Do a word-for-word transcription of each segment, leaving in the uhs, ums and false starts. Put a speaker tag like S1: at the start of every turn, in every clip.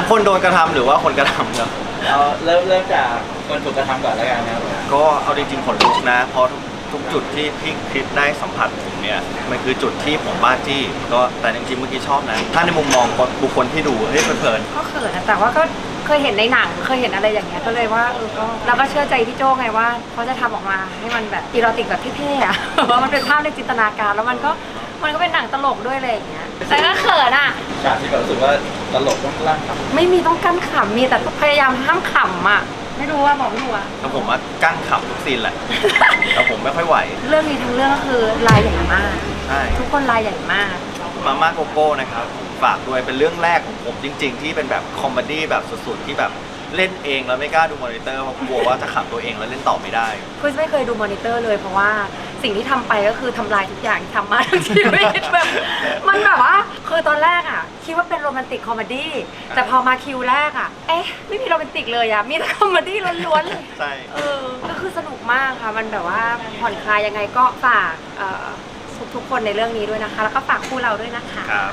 S1: คนโดนกระทำหรือว่าคนกระทำครับ
S2: เอาเริ่มเริ่มจากคนถูกกระทำก่อนแล้วกันนะครับ
S1: ก็เอาจริงๆขนลุกนะเพราะทุกจุดที่พี่คริสได้สัมผัสผมเนี่ยมันคือจุดที่ผมบ้าจี้ก็แต่จริงๆเมื่อกี้ชอบนะถ้าในมุมมองบุคคลที่ดูเฮ้ยเพลิน
S3: ก็เขินนะแต่ว่าก็เคยเห็นในหนังเคยเห็นอะไรอย่างเงี้ยก็เลยว่าเออก็เราก็เชื่อใจพี่โจ้ไงว่าเขาจะทำออกมาให้มันแบบอีโรติกแบบเท่ๆอะว่ามันเป็นภาพในจินตนาการแล้วมันก็มันก็เป็นหนังตลกด้วยอะไรอย่างเงี้ยแต่ก็เขินอ่ะ
S2: ฉากที่แบบรู้สึกว่าตลกต้องลั่นครับ
S3: ไม่มีต้องกั้นขำมีแต่พยายามห้ามขำอ่ะไม่รู้ว่าบอกไม่รู้อ่ะ
S1: แต่ผมว่ากั้นขำทุกซีนแหละแต่ผมไม่ค่อยไหว
S3: เรื่องนี้ทั้งเรื่องก็คือลายใหญ่มาก
S1: ใช่
S3: ทุกคนลายใหญ่มาก
S1: มาม่าโกโก้นะครับฝากด้วยเป็นเรื่องแรกของผมจริงๆที่เป็นแบบคอมเมดี้แบบสุดๆที่แบบเล่นเองแล้วไม่กล้าดูมอนิเตอร์เพราะกลัวว่าจะขำตัวเองแล้วเล่นต่อไม่ได้
S3: คือไม่เคยดูมอนิเตอร์เลยเพราะว่าสิ่งที่ทำไปก็คือทำลายทุกอย่างที่ทำมาทั้งชีวิตแบบมันแบบว่าคือตอนแรกอ่ะคิดว่าเป็นโรแมนติกคอมเมดี้แต่พอมาคิวแรกอ่ะเอ๊ะไม่มีโรแมนติกเลยอ่ะมีแต่คอมเมดี้ล้วนๆเลย
S1: ใช่
S3: เออก็คือสนุกมากค่ะมันแบบว่าผ่อนคลายยังไงก็ฝากทุกๆคนในเรื่องนี้ด้วยนะคะแล้วก็ฝากคู่เราด้วยนะคะ
S1: ครับ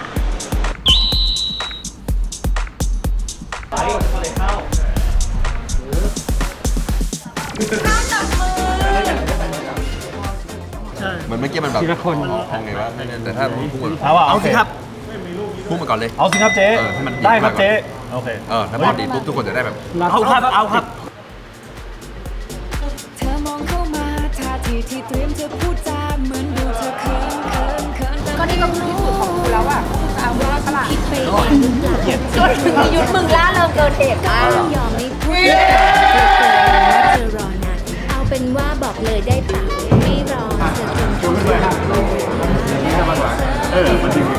S4: มันเมื่อกี้มันแบบทีละคนทำไงวะแต่ถ้าพูด
S5: เอาสิครับ
S4: พูดมาก่อนเลย
S5: เอาสิครับเจ๊ได้ครับเจ๊โอเค
S4: เออถ้าพอดีปุ๊บทุกคนจะได้แบบ
S5: เอาครับเอาครับ
S6: เธอมองเข้ามาท่าทีที่เตรียมจะพูดจาเหมือนดูเธอเขินเขินเขิน
S3: ก็นี่ก็คือที่สุดของกูแล้วอ่ะเอาเรื่องตลาด
S6: คิดไปเองหรือเปล่า
S3: จนถึงยุดมึงล่าเริงเกินเหตุมาก
S6: ยอมไม่พูดเธอรอนานเอาเป็นว่าบอกเลยได้ปะไม่รอเธอจนเธอ
S5: เออมันจริง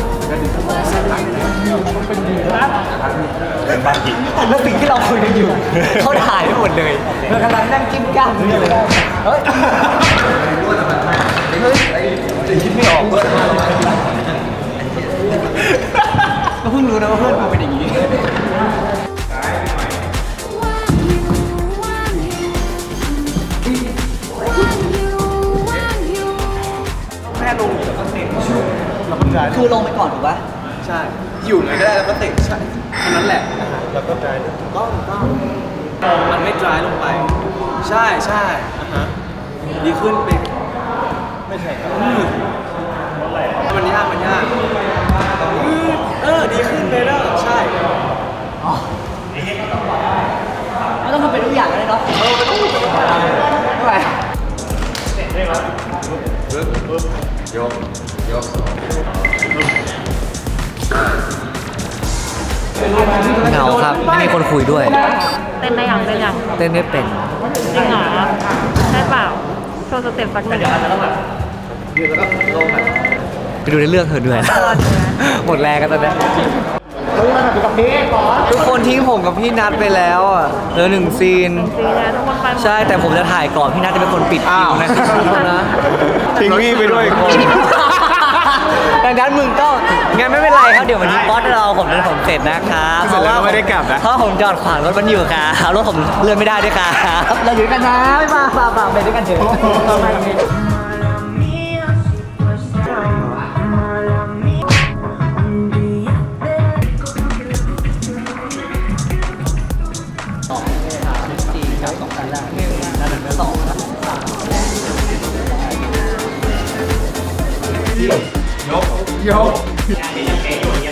S5: เป็นบ้านจริง
S2: แล้วสิ่งที่เราคุยกันอยู่เขาถ่ายไปหมดเลยเรากำลังนั่งจิ้มก้ามอยู่เลยเฮ้ยคิดไม่ออกก็เพิ่งรู้นะว่าเพื่อนกูเป็นอย่างนี้แม่ลงแล้วก็เตะคือลงไปก่อนถูกปะใช่อยู่ไหนก็ได้แล้วก็เตะใช่แค่นั้นแหละแล้วก็ดรายต้องต้องมันไม่ดรายลงไปใช่ใช่ดีขึ้นไปไม่ใช่ครับมันยากมันยากเออดีขึ้นไปแล้วใช่ไม่ต้องทำเป็นทุกอย่างเลยเนาะเออไม่ต้องทำเป็นทุกอย่างไม่ไหว
S4: ปึ๊บยกยก
S2: เหงาครับไม่มีคนคุยด้วย
S3: เต้นได้ยังเต้นยัง
S2: เต้นไม่เป็น
S3: จริงเหรอใช่เปล่าโชว์สเต็ปสักหนึ่ง
S2: ไปดูในเรื่องเธอด้วยหมดแรงกันตอนนี้ทุกคนทิ้งผมกับพี่นัทไปแล้วอ่ะเหลือหนึ่งซีนใช่แต่ผมจะถ่ายก่อนพี่นัทจะเป็นคนปิดคิวนะนะ
S5: ทิ้งพี่ไปด้วยคน
S2: ดังนั้นมึงก็งั้นไม่เป็นไรครับเดี๋ยววันนี้บอสเราผมจะผมเสร็จนะครับ
S5: เพราะว่าไม่ได้กลับนะ
S2: เพราะผมจอดขวางรถมันอยู่ครับรถผมเลื่อนไม่ได้ด้วยครับเราอยู่กันนะไม่มาฝากฝากไปด้วยกันเถอะ
S5: ยกยก